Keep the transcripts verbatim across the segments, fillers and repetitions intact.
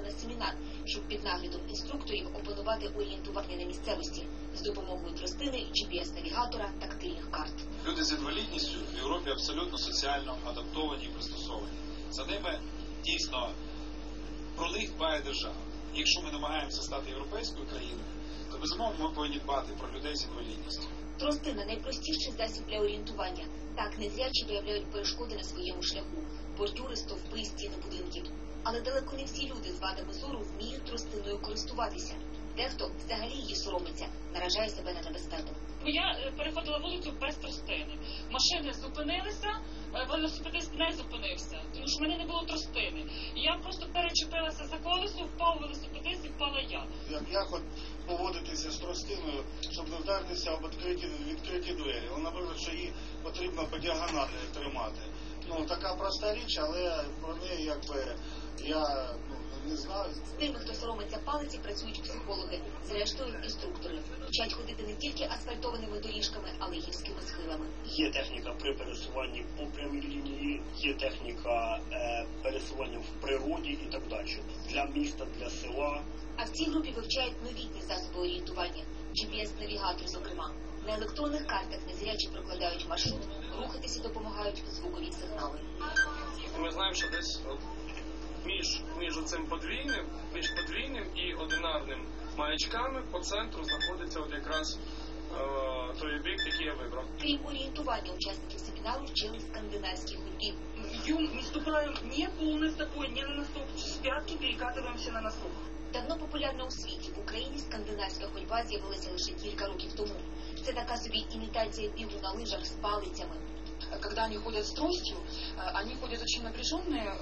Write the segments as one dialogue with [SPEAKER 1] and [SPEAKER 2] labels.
[SPEAKER 1] на семінар, щоб під наглядом інструкторів опанувати орієнтування на місцевості з допомогою тростини, джі пі ес-навігатора, тактильних карт.
[SPEAKER 2] Люди з інвалідністю в Європі абсолютно соціально адаптовані і пристосовані. За ними дійсно про них дбає держава. Якщо ми намагаємося стати європейською країною, то безумовно ми повинні дбати про людей з інвалідністю.
[SPEAKER 1] Тростина – найпростіший засіб для орієнтування. Так незрячі виявляють перешкоди на своєму шляху – бордюри, стовпи, стіни будинків. Але далеко не всі люди з вадами зору вміють тростиною користуватися. Дехто взагалі її соромиться, наражає себе на небезпеку.
[SPEAKER 3] Я переходила вулицю без тростини. Машини зупинилися, велосипедист не зупинився, тому що в мене не було тростини. І я просто перечепилася за колесо, впав велосипедист і впала я.
[SPEAKER 4] Як, як от поводитися з тростиною, щоб не вдаритися об відкриті, відкриті двері? Ну, наприклад, що її потрібно по діагоналі тримати. Ну, така проста річ, але про неї якби я ну, не знаю.
[SPEAKER 1] З тими, хто соромиться палиці, працюють психологи, зрештою інструктори. Вчать ходити не тільки асфальтованими доріжками, але й гірськими схилами.
[SPEAKER 5] Є техніка при пересуванні по прямій лінії, є техніка е, пересування в природі і так далі. Для міста, для села.
[SPEAKER 1] А в цій групі вивчають новітні засоби орієнтування, джі пі ес-навігатор, зокрема. На електронних картах незрячі прокладають маршрут, рухатися допомагають звукові сигнали.
[SPEAKER 6] Ми знаємо, що десь от, між, між цим подвійним, між подвійним і одинарним маячками по центру знаходиться от якраз е, той бік, який я вибрав.
[SPEAKER 1] Крім орієнтування, учасників семінару вчили скандинавській ходьбі.
[SPEAKER 3] Идем, не ступаем не полной стопой, не на носок, с пятки перекатываемся на носок.
[SPEAKER 1] Давно популярна у світі, в Україні скандинавська ходьба з'явилася лише кілька років тому. Це така собі імітація бігу на лижах з палицями.
[SPEAKER 7] Когда они ходят с тростью, они ходят очень напряженные,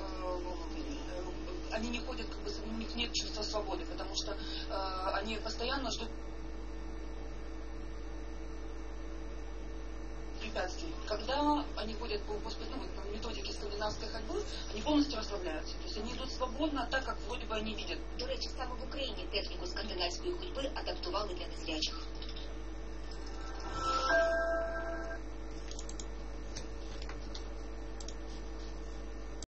[SPEAKER 7] они не ходят, как бы, у них нет чувства свободы, потому что они постоянно ждут препятствий. Когда они ходят по, по, ну, по методике скандинавской ходьбы, они полностью расслабляются. То есть они идут свободно, так как вроде бы они видят.
[SPEAKER 1] До речі, саме в Україні техніку скандинавської ходьби адаптували для незрячих.